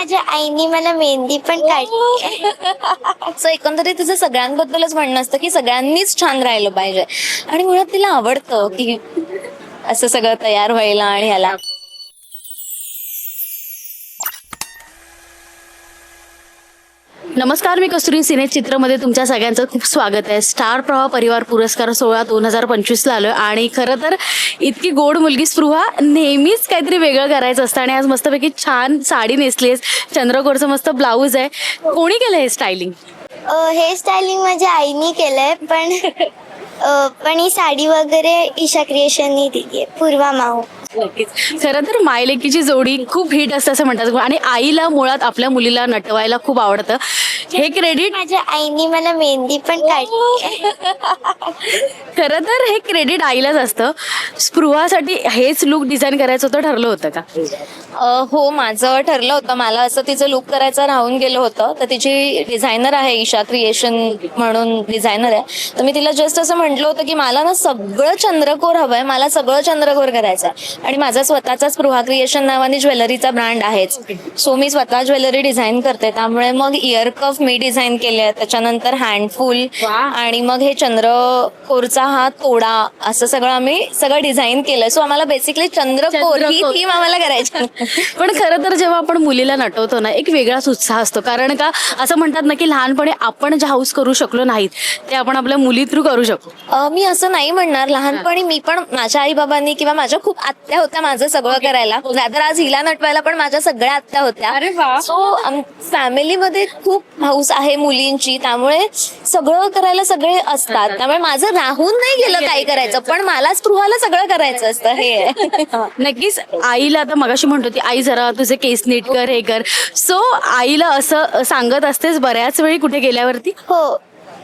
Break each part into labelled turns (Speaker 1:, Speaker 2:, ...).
Speaker 1: माझ्या आईने मला मेहंदी पण काढली.
Speaker 2: सो एकंदरीत तिचं सगळ्यांबद्दलच म्हणणं असतं की सगळ्यांनीच छान राहिलं पाहिजे आणि मुळात तिला आवडतं की असं सगळं तयार व्हायला आणि ह्याला.
Speaker 3: नमस्कार, मी कस्तुरी सिने चित्रमध्ये तुमच्या सगळ्यांचं खूप स्वागत आहे. स्टार प्रवाह परिवार पुरस्कार सोहळा 2025ला आलोय आणि खरं तर इतकी गोड मुलगी स्पृहा नेहमीच काहीतरी वेगळं करायचं असतं आणि आज मस्तपैकी छान साडी नेसलीस, चंद्रकोरचं मस्त ब्लाऊज आहे. कोणी केलं हे स्टायलिंग?
Speaker 1: हे स्टायलिंग माझ्या आईने केलंय, पण ही साडी वगैरे ईशा क्रिएशननी दिली आहे, पूर्वा माऊ.
Speaker 3: खरं तर मायलेकीची जोडी खूप हिट असते असं म्हणतात आणि आईला मुळात आपल्या मुलीला नटवायला खूप आवडतं. हे क्रेडिट
Speaker 1: माझ्या आईने मला मेहंदी पण काढली.
Speaker 3: खरं तर हे क्रेडिट आईलाच असतं. स्पृहासाठी हेच लुक डिझाईन करायचं होतं, ठरलं होतं का?
Speaker 2: हो, माझं ठरलं होतं. मला असं तिचं लुक करायचं राहून गेलं होतं. तर तिची डिझायनर आहे ईशा क्रिएशन म्हणून डिझायनर आहे. तर मी तिला जस्ट असं म्हटलं होतं की मला ना सगळं चंद्रकोर हवंय, मला सगळं चंद्रकोर करायचं आहे आणि माझा स्वतःचा स्पृहा क्रिएशन नावाने ज्वेलरीचा ब्रँड आहेच. सो मी स्वतः ज्वेलरी डिझाईन करते, त्यामुळे मग इयर कफ मी डिझाईन केले, त्याच्यानंतर हँडफुल आणि मग हे चंद्रकोरचा हा तोडा, असं सगळं आम्ही डिझाईन केलं. सो आम्हाला बेसिकली चंद्रकोर ही थीम आम्हाला करायची.
Speaker 3: पण खरं तर जेव्हा आपण मुलीला नटवतो ना, एक वेगळाच उत्साह असतो. कारण का असं म्हणतात ना की लहानपणी आपण जे हाऊस करू शकलो नाहीत ते आपण आपल्या मुली थ्रू करू शकतो.
Speaker 2: मी असं नाही म्हणणार. लहानपणी मी पण माझ्या आई बाबांनी किंवा माझ्या खूप आत्या होत्या माझं सगळं करायला. तर आज हिला नटवायला पण माझ्या सगळ्या आत्या होत्या. सो फॅमिलीमध्ये खूप हाऊस आहे मुलींची, त्यामुळे सगळं करायला सगळे असतात. त्यामुळे माझं राहून नाही गेलं काही करायचं, पण मला स्पृहाला सगळं करायचं असतं. हे
Speaker 3: नक्कीच. आईला आता मगाशी म्हणतो ती आई जरा तुझे केस नीट कर, हे कर. सो आईला असं सांगत असतेस बऱ्याच वेळी कुठे गेल्यावरती?
Speaker 1: हो,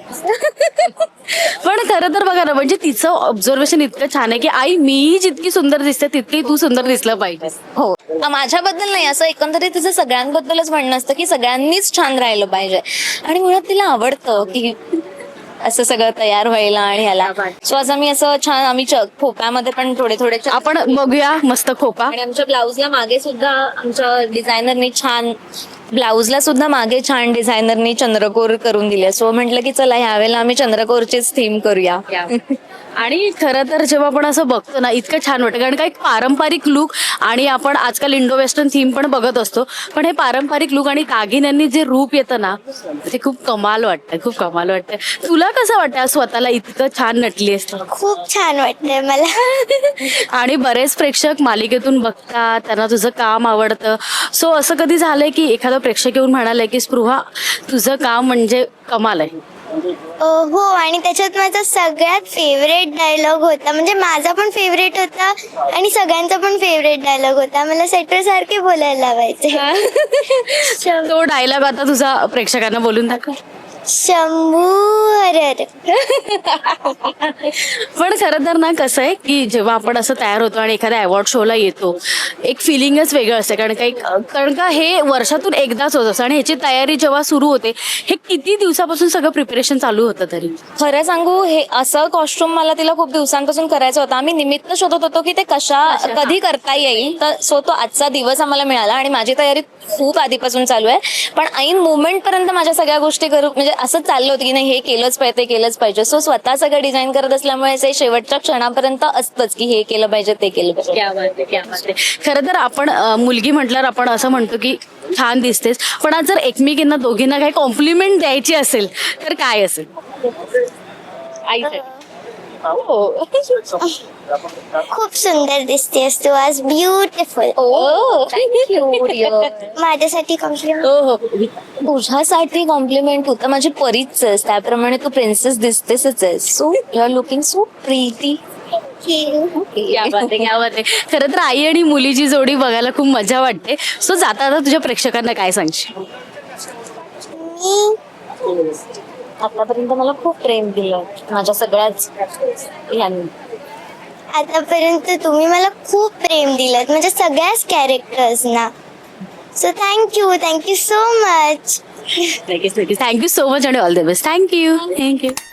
Speaker 3: पण खरं तर बघा ना, म्हणजे तिचं ऑब्झर्वेशन इतकं छान आहे की आई मी जितकी सुंदर दिसते तितकी तू सुंदर दिसलं पाहिजे.
Speaker 2: हो, माझ्याबद्दल नाही, असं एकंदरीत तिचं सगळ्यांबद्दलच म्हणणं असतं की सगळ्यांनीच छान राहिलं पाहिजे आणि मुळात तिला आवडतं की असं सगळं तयार व्हायला आणि ह्याला. सो आज आम्ही असं छान आम्ही खोप्यामध्ये पण थोडे
Speaker 3: आपण बघूया मस्त खोपा.
Speaker 2: आणि आमच्या ब्लाऊजला मागे सुद्धा आमच्या डिझायनरनी छान डिझायनरनी चंद्रकोर करून दिले. सो म्हटलं की चला ह्यावेळेला आम्ही चंद्रकोरचीच थीम करूया.
Speaker 3: आणि खरं तर जेव्हा आपण असं बघतो ना इतकं छान वाटतं, कारण का एक पारंपरिक लुक आणि आपण आजकाल इंडो वेस्टर्न थीम पण बघत असतो, पण हे पारंपरिक लुक आणि दागिन्यांनी जे रूप येतं ना ते खूप कमाल वाटतं. तुला कसं वाटतं स्वतःला इतकं छान नटली असते?
Speaker 1: खूप छान वाटतंय मला.
Speaker 3: आणि बरेच प्रेक्षक मालिकेतून बघतात, त्यांना तुझं काम आवडतं. सो असं कधी झालंय की एखादा प्रेक्षक येऊन म्हणालंय की स्पृहा तुझं काम म्हणजे कमाल आहे?
Speaker 1: हो, आणि त्याच्यात माझा सगळ्यात फेवरेट डायलॉग होता, म्हणजे माझा पण फेवरेट होता आणि सगळ्यांचा पण फेवरेट डायलॉग होता. मला सेटर सारखे बोलायला लावायचे.
Speaker 3: तो डायलॉग आता तुझा प्रेक्षकांना बोलून दाखव.
Speaker 1: शंभू हरर.
Speaker 3: पण खरं तर ना कसं आहे की जेव्हा आपण असं तयार होतो आणि एखाद्या अवॉर्ड शोला येतो, एक फिलिंगच वेगळं असतं. कारण का हे वर्षातून एकदाच होत असतं आणि ह्याची तयारी जेव्हा सुरू होते, हे किती दिवसापासून सगळं प्रिपरेशन चालू होतं? तरी
Speaker 2: खरं सांगू, हे असं कॉस्ट्युम मला तिला खूप दिवसांपासून करायचं होतं. आम्ही निमित्त शोधत होतो की ते कधी करता येईल. तर सो तो आजचा दिवस आम्हाला मिळाला आणि माझी तयारी खूप आधीपासून चालू आहे. पण ऐन मुवमेंट पर्यंत माझ्या सगळ्या गोष्टी करू म्हणजे असं चाललं होतं की नाही हे केलंच पाहिजे, ते केलंच पाहिजे. सो स्वतः सगळं डिझाईन करत असल्यामुळे ते शेवटच्या क्षणापर्यंत असतंच की हे केलं पाहिजे, ते केलं पाहिजे.
Speaker 3: खरं तर आपण मुलगी म्हटल्यावर आपण असं म्हणतो की छान दिसतेस, पण आज जर एकमेकींना दोघींना काही कॉम्प्लिमेंट द्यायची असेल तर काय असेल?
Speaker 1: खूप सुंदर दिसतेस तू आज, ब्युटिफुल. माझ्यासाठी कॉम्प्लिमेंट?
Speaker 2: हो, तुझ्यासाठी कॉम्प्लिमेंट होतं. माझी परीच आहेस, त्याप्रमाणे तू प्रिन्सेस दिसतेसच आहेस. So you are looking so pretty.
Speaker 3: खरं तर आई आणि मुलीची जोडी बघायला खूप मजा वाटते. सो जाता आता तुझ्या प्रेक्षकांना काय सांगशील?
Speaker 1: मी
Speaker 2: आतापर्यंत मला खूप प्रेम दिलं माझ्या सगळ्याच ह्यांनी.
Speaker 1: आतापर्यंत तुम्ही मला खूप प्रेम दिलं म्हणजे सगळ्याच कॅरेक्टर्सना. So thank you so much.
Speaker 3: Thank you so much आणि ऑल द बेस्ट. थँक्यू.